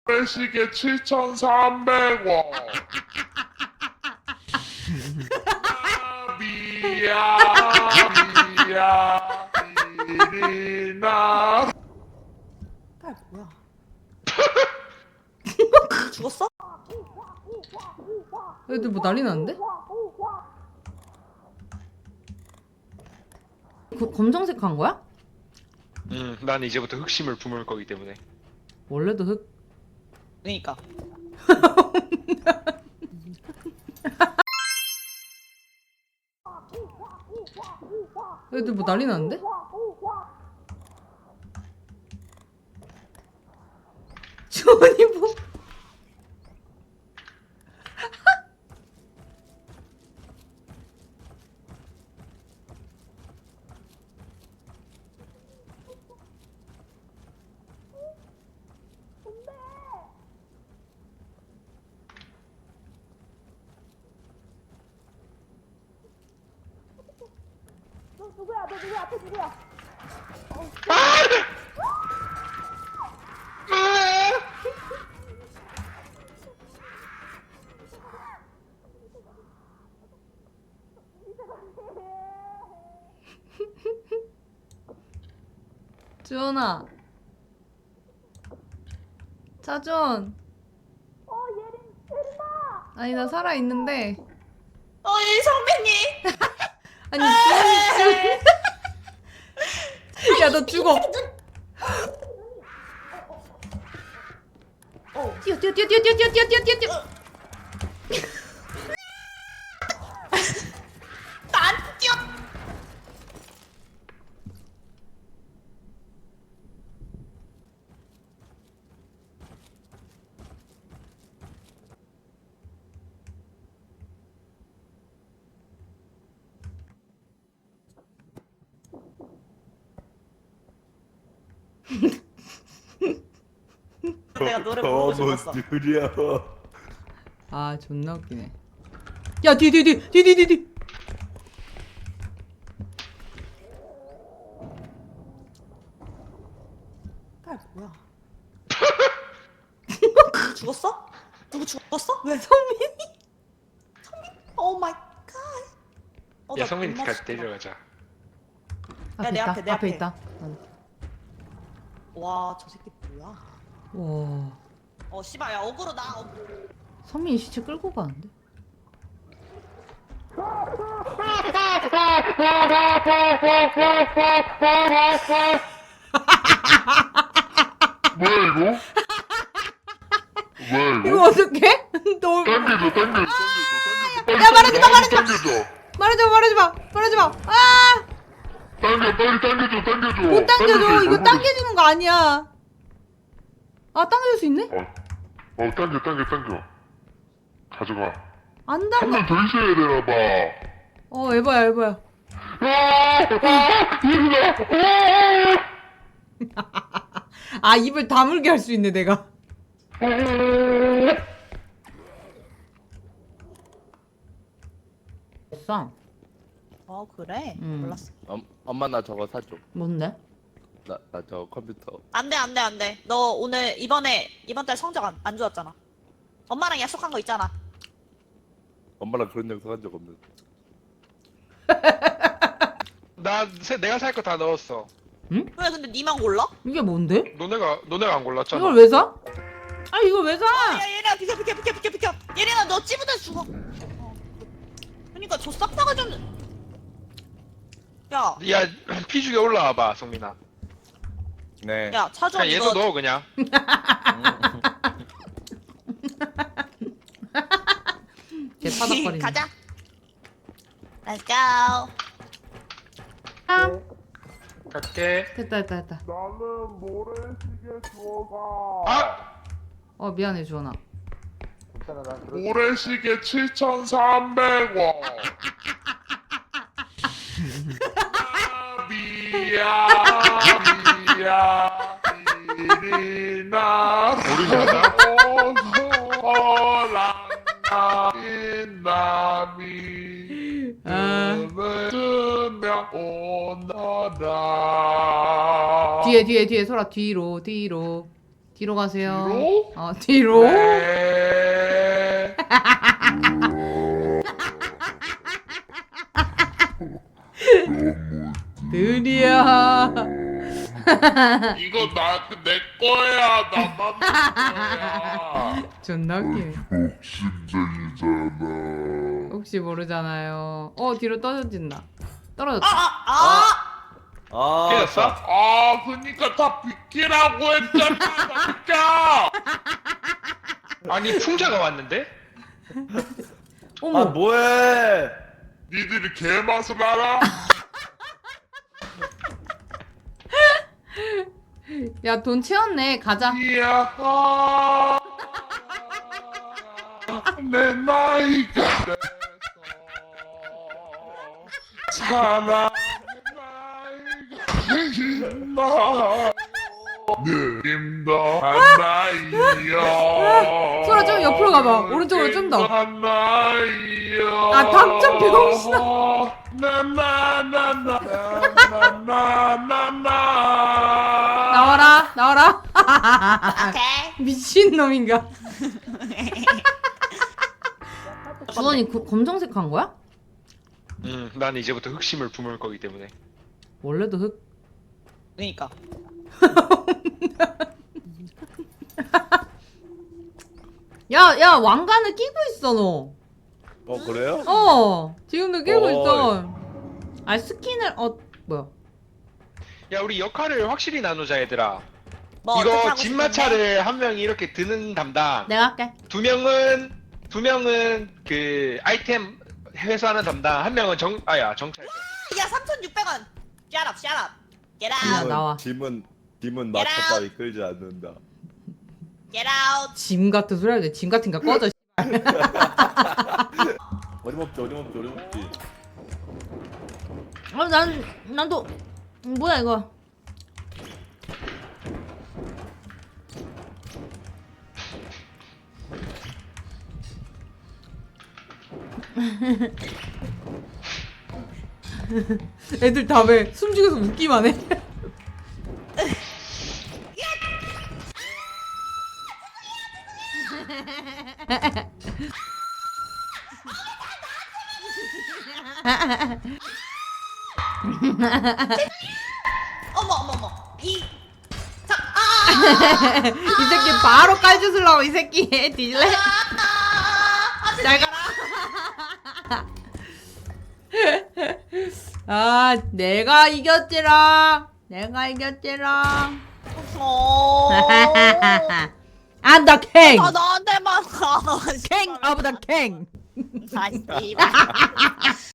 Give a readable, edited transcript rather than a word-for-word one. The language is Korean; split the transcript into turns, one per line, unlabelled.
시계 7,300원. 미야, 미야, 이리나.
딸 뭐야? 죽었어?
애들 뭐 난리 났는데? 검정색 한 거야?
난 이제부터 흑심을 품을 거기 때문에.
원래도 흑.
그러니까.
애들 뭐 난리 났는데? 주원이 뭐?
너 누구야? 너 누구야? 앞에 누구야?
주원아. 차준.
예린아.
아니 나 살아 있는데.
이 선배님.
아니 주원이. 야 너 죽어. 뛰어 뛰어 뛰어 뛰어 뛰어 뛰어 뛰어 뛰어 뛰어.
안 뛰어. 내가 노래 부르고 싶었어.
느려.
아 존나 웃기네. 야 뒤 뒤 뒤 뒤 뒤 뒤 뒤.
딸 뭐야? 죽었어? 누구 죽었어? 왜?
성민이.
오 마이 갓.
야, 성민이 같이 데려가자.
앞에
내
있다.
앞에, 내
앞에
앞에.
있다.
와, 저 새끼 뭐야?
와.
씨발, 야, 어그로 나.
성민이 시체 끌고 가는데?
뭐야 이거? 뭐야
이거
이거?
어떡해? 너
당겨줘, 당겨줘, 당겨줘.
야, 말하지 마, 말하지 마.
당겨줘.
말하지 마 말하지 마 말하지 마. 아!
당겨, 빨리 당겨줘, 당겨줘.
못 당겨줘. 이거
얼굴을.
당겨주는 거 아니야. 아 당겨줄 수 있네?
당겨, 당겨, 당겨. 가져가.
안
한
당겨.
명 더 있어야 되나 봐.
에바야 에바야. 아 입을 다물게 할 수 있네 내가. 됐어.
그래? 몰랐어.
엄마 나 저거 사줘.
뭔데?
나 저 컴퓨터.
안 돼, 안 돼, 안 돼. 너 오늘 이번 달 성적 안 좋았잖아. 엄마랑 약속한 거 있잖아.
엄마랑 그런 영상 한 적 없는.
내가 살 거 다 넣었어.
왜 근데 니만 골라?
이게 뭔데?
너네가 안 골랐잖아.
이걸 왜 사? 아 이걸 왜 사?
야, 예린아, 비켜. 예린아, 너 찌부대 죽어. 그러니까 저 싹 다가 좀. 야,
야, 피죽에 올라와봐, 성민아.
네.
야, 차준
그냥 얘도
이거.
넣어, 그냥.
개 파닥거리네.
가자. Let's go.
갈게.
됐다.
나는 모래시계 주워가.
미안해 주원아.
모래시계 7,300원. 미야, 미야, 이리나. 우리 가자. 남이 음을 뜨며 오너라.
뒤에 소라 뒤로. 뒤로 가세요.
뒤로?
뒤로.
네.
느리야.
이거 내 거야. 나 만든 거야.
존나 웃기네.
욕심쟁이잖아.
혹시 모르잖아요. 뒤로 떨어진다. 떨어졌다.
아,
깨졌어?
아, 그니까 다 비키라고 했잖아. 다 비켜.
아니 풍자가 왔는데?
어머.
아, 뭐해?
니들이 개맛을 알아?
야, 돈 채웠네. 가자.
이야. 내 나이가 돼서 사랑의 나이가 느낌도 한 나이여.
소라 좀 옆으로 가봐. 오른쪽으로 좀 더.
한 나이여.
아, 닥쳐, 병신아.
나나나나나나나나.
나와라.
오케이.
미친놈인가? 주원이 검정색 한 거야?
난 이제부터 흑심을 품을 거기 때문에.
원래도 흑.
그니까.
야, 왕관을 끼고 있어, 너.
그래요?
지금도 끼고
어이.
있어. 스킨을, 뭐야.
야 우리 역할을 확실히 나누자 얘들아.
뭐 어떻게
이거
하고
진마차를 한 명이 이렇게 드는 담당.
내가 할게.
두 명은 그 아이템 회수하는 담당. 한 명은 정찰자.
싶은데? 야 3,600원. Shut up, shut up. Get
야,
out,
나와.
짐은
Get
마차
out.
따위 끌지 않는다.
get out.
짐 같은 소리 하지. 짐 같은 거 꺼져.
어림없지.
난도, 뭐야, 이거. 애들 다 왜 숨죽여서 웃기만 해.
어머.
이 새끼 바로 깔주슬라고 이 새끼 뒤질래? 잘 가라. 내가 이겼지라. I'm the king.
나한테만 가.
King of the king.
아, 씨발.